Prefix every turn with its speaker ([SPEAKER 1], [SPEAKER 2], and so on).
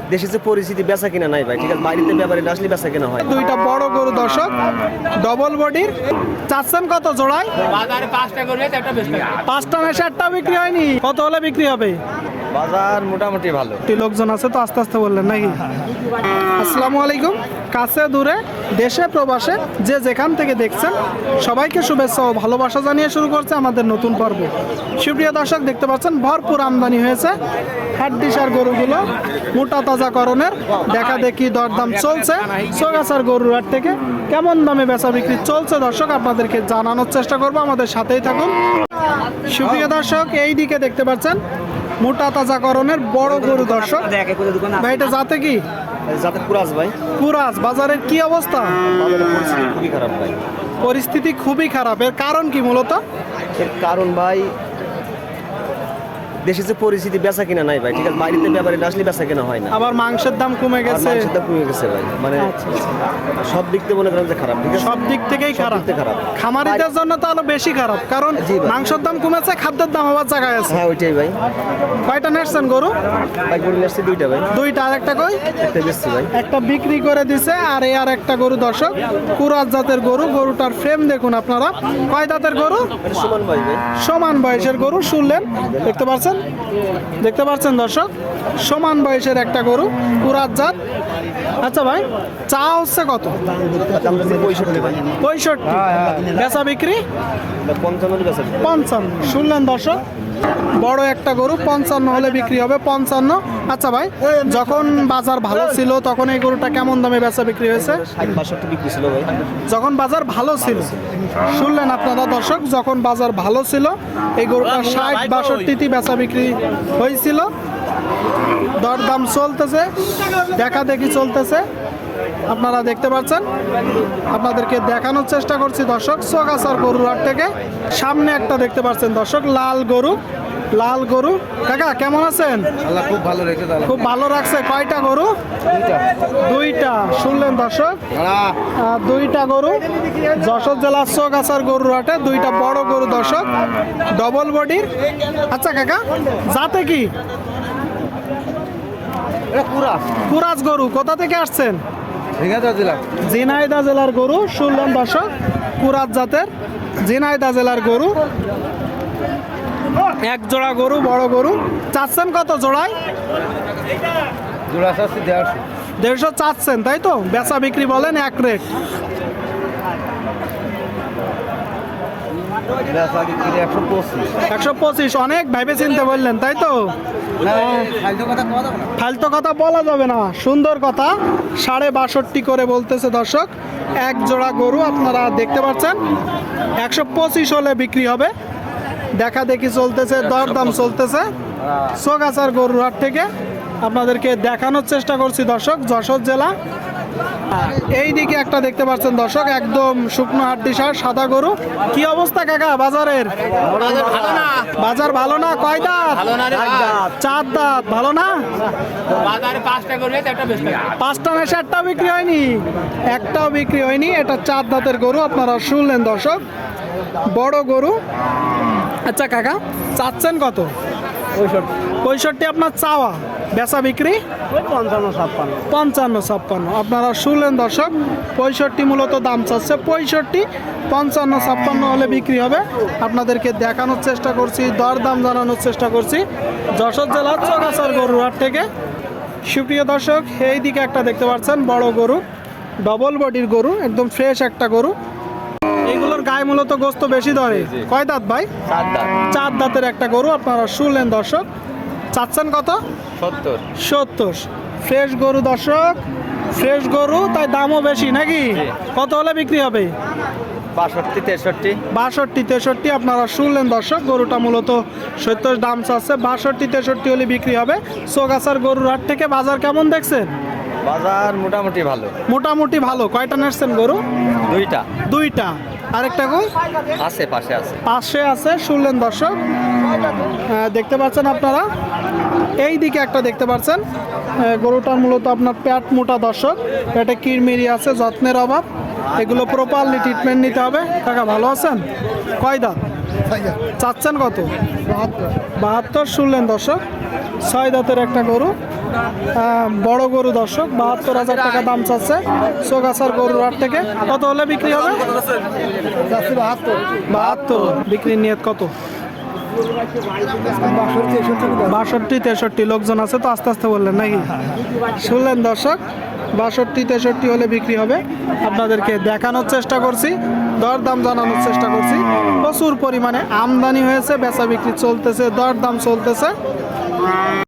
[SPEAKER 1] দেশে যে পরিস্থিতি বেচা কিনা নাই ভাই, ঠিক আছে, বাইরেতে ব্যাপারে না আসলে বেচা কিনা হয়।
[SPEAKER 2] দুইটা বড় গরু দর্শক, ডবল বডির, চাচ্ছেন কত জোড়ায়?
[SPEAKER 3] বাজারে 5টা করে একটা বেশি
[SPEAKER 2] 5টা না 7টা বিক্রি হয়নি, কত হলে বিক্রি হবে?
[SPEAKER 1] বাজার মোটামুটি ভালো।
[SPEAKER 2] লোকজন আছে তো আস্তে আস্তে বললেন নাকি? আসসালামু আলাইকুম। কাছে দূরে দেশে প্রবাসে যে যেখান থেকে দেখছেন সবাইকে শুভেচ্ছা ও ভালোবাসা জানিয়ে শুরু করছে আমাদের নতুন পর্ব। সুপ্রিয় দর্শক, দেখতে পাচ্ছেন ভরপুর আমদানি হয়েছে হাড্ডিসার গরুগুলো মোটা তাজাকরণের দেখা দেখি দরদাম চলছে। সোগাছার গরুর হাট থেকে কেমন দামে বেচা বিক্রি চলছে দর্শক আপনাদেরকে জানানোর চেষ্টা করব, আমাদের সাথেই থাকুন। সুপ্রিয় দর্শক, এই দিকে দেখতে পাচ্ছেন মোটা তাজাকরণের বড় গরু দর্শক। ভাই এটা জাতে কি?
[SPEAKER 1] যাতে কুরাজ ভাই।
[SPEAKER 2] কুরাজ। বাজারের কি অবস্থা?
[SPEAKER 1] বাজারের পরিস্থিতি খুবই খারাপ ভাই।
[SPEAKER 2] পরিস্থিতি খুবই খারাপ। এর কারণ কি মূলত?
[SPEAKER 1] এর কারণ ভাই, দেশে যে পরিস্থিতি বেচা কিনা নাই ভাই, ঠিক আছে, বাইরেতে ব্যাপারে না আসলে বেচা কিনা হয় না।
[SPEAKER 2] আবার মাংসের দাম কমে
[SPEAKER 1] আর
[SPEAKER 2] গেছে।
[SPEAKER 1] মাংসের দাম কমে গেছে ভাই, মানে সব দিক থেকে মনে করেন যে খারাপ, ঠিক আছে,
[SPEAKER 2] সব দিক থেকেই
[SPEAKER 1] সব
[SPEAKER 2] খারাপ।
[SPEAKER 1] দিক থেকে খারাপ।
[SPEAKER 2] খামারিদের জন্য তো আরো বেশি খারাপ, কারণ
[SPEAKER 1] জি ভাই।
[SPEAKER 2] মাংসের দাম কমেছে, খাদ্যের দাম আবার জায়গায় আছে।
[SPEAKER 1] হ্যাঁ ওইটাই ভাই।
[SPEAKER 2] কয়টা নেসছেন গরু?
[SPEAKER 1] ভাই গরু নিয়ে আসছি দুইটা ভাই,
[SPEAKER 2] দুইটা। আর একটা কই?
[SPEAKER 1] একটা বেচছি ভাই।
[SPEAKER 2] একটা বিক্রি করে দিছে, আর এই আর একটা গরু দর্শক, কুরাজ জাতের গরু। গরুটার ফ্রেম দেখুন আপনারা। কয় দাঁতের গরু?
[SPEAKER 1] এটা সমান ভাই ভাই।
[SPEAKER 2] সমান বয়সের গরু, শুনলেন, দেখতে পাচ্ছেন, দেখতে পাচ্ছেন দর্শক, সমান বয়সের একটা গরু, কুরাজ জাত। আচ্ছা ভাই, চা হচ্ছে কত?
[SPEAKER 1] দাম দিচ্ছে 65 ভাই।
[SPEAKER 2] 65। বেচা বিক্রি
[SPEAKER 1] 55 বেচা।
[SPEAKER 2] 55। শুনলেন দর্শক, বড় একটা গরু 55 হলে বিক্রি হবে, 55। আচ্ছা ভাই, যখন বাজার ভালো ছিল তখন এই গরুটা কেমন দামে বেচা বিক্রি হয়েছে?
[SPEAKER 1] 60-62 বিক্রি ছিল ভাই।
[SPEAKER 2] যখন বাজার ভালো ছিল। শুনলেন আপনারা দর্শক, যখন বাজার ভালো ছিল এই গরুটা 60-62 বেচা বিক্রি হয়েছিল। দরদাম চলতেছে, দেখা দেখি চলতেছে, আপনারা দেখতে পাচ্ছেন। আপনাদেরকে দেখানোর চেষ্টা করছি দর্শক, সোগাছার গরুর হাট থেকে। সামনে একটা দেখতে পাচ্ছেন দর্শক, লাল গরু, লাল গরু। কাকা কেমন আছেন?
[SPEAKER 1] আল্লাহ খুব ভালো রেখে দাও।
[SPEAKER 2] খুব ভালো রাখছে। কয়টা গরু? দুইটা। শুনলেন দর্শক, দুইটা গরু যশোর জেলার সোগাছার গরুর হাটে, দুইটা বড় গরু দর্শক, ডবল বডির। আচ্ছা কাকা, যাতে কি? কুরাজ গরু। কোথা থেকে আসছেন? ঝিনাইদহ জেলার গরু। শুনলেন দর্শক, কুরাজ জাতের ঝিনাইদহ জেলার গরু, এক জোড়া গরু, বড় গরু। চাচ্ছেন কত জোড়ায়?
[SPEAKER 1] জোড়া আছে
[SPEAKER 2] 150 চাচ্ছেন, তাই তো? বেচা বিক্রি বলেন এক রেট। 125। অনেক ভাইবে চিনতে বললেন, তাই তো? ফালতু কথা বলা যাবে না, সুন্দর কথা। 62.5 করে বলতেছে দর্শক, এক জোড়া গরু আপনারা দেখতে পাচ্ছেন। 125 হলে বিক্রি হবে, দেখা দেখি চলতেছে, দরদাম চলতেছে। সোগাছার গরুর হাট থেকে আপনাদেরকে দেখানোর চেষ্টা করছি দর্শক, যশোর জেলা। এই দিকে একটা দেখতে পাচ্ছেন দর্শক, একদম শুকনো হাড্ডিসার সাদা গরু। কি অবস্থা কাকা বাজারের? বাজার ভালো না। কয় দাঁত? 4 দাঁত। ভালো না।
[SPEAKER 3] বাজারে 5টা করে একটা বেশি
[SPEAKER 2] 5টা না 7টা বিক্রি হয়নি, একটাও বিক্রি হয়নি। এটা 4 দাঁতের গরু, আপনারা শুনলেন দর্শক, বড় গরু। আচ্ছা কাকা, চাচ্ছেন কত? 65 আপনার চাওয়া, বেচা বিক্রি 55-56। আপনারা শুনলেন দর্শক, 65 মূলত দাম চাচ্ছে। 65, 55-56 হলে বিক্রি হবে। আপনাদেরকে দেখানোর চেষ্টা করছি, দরদাম জানানোর চেষ্টা করছি যশোর জেলার সোগাছার গরুর হাট থেকে। সুপ্রিয় দর্শক, এই দিকে একটা দেখতে পাচ্ছেন বড় গরু, ডবল বডির গরু, একদম ফ্রেশ একটা গরু। এইগুলোর গায়ে মূলত গোস্ত বেশি ধরে। কয় দাঁত ভাই? 4 দাঁতের একটা গরু, আপনারা শুনলেন দর্শক। চাচ্ছেন কত? 70। ফ্রেশ গরু দর্শক, ফ্রেশ গরু, তাই দামও বেশি নাকি? কত হলে বিক্রি হবে? 62-63। আপনারা শুনলেন দর্শক, গরুটা মূলত 70 দাম চাচ্ছে, 62-63 হলে বিক্রি হবে। সোগাছার গরুর হাট থেকে বাজার কেমন দেখছেন?
[SPEAKER 1] বাজার মোটামুটি ভালো।
[SPEAKER 2] মোটামুটি ভালো। কয়টা নেসছেন গরু? দুইটা। আরেকটা কই?
[SPEAKER 1] আছে, পাশে আছে।
[SPEAKER 2] পাশে আছে। শুনলেন দর্শক, দেখতে পাচ্ছেন আপনারা। এই দিকে একটা দেখতে পাচ্ছেন, গরুটার মূলত আপনার পেট মোটা দর্শক, পেটে কিরমিরি আছে, যত্নের অভাব। এগুলো প্রপারলি ট্রিটমেন্ট নিতে হবে। কাকা ভালো আছেন? কয় দাঁত? চাচ্ছেন কত? 72। শুনলেন দর্শক, 6 দাঁতের একটা গরু। বড় গরু দর্শক 72,000 টাকা দাম চাচ্ছে সোগাছার গরুর হাট থেকে। কত হলে বিক্রি হবে? 72। বিক্রির নিয়ত কত? 62-63 লোকজন আছে তো, আস্তে আস্তে বললেন নাকি? শুনলেন দর্শক, 62-63 হলে বিক্রি হবে। আপনাদেরকে দেখানোর চেষ্টা করছি, দরদাম জানানোর চেষ্টা করছি। প্রচুর পরিমাণে আমদানি হয়েছে, বেচা বিক্রি চলতেছে, দরদাম চলতেছে।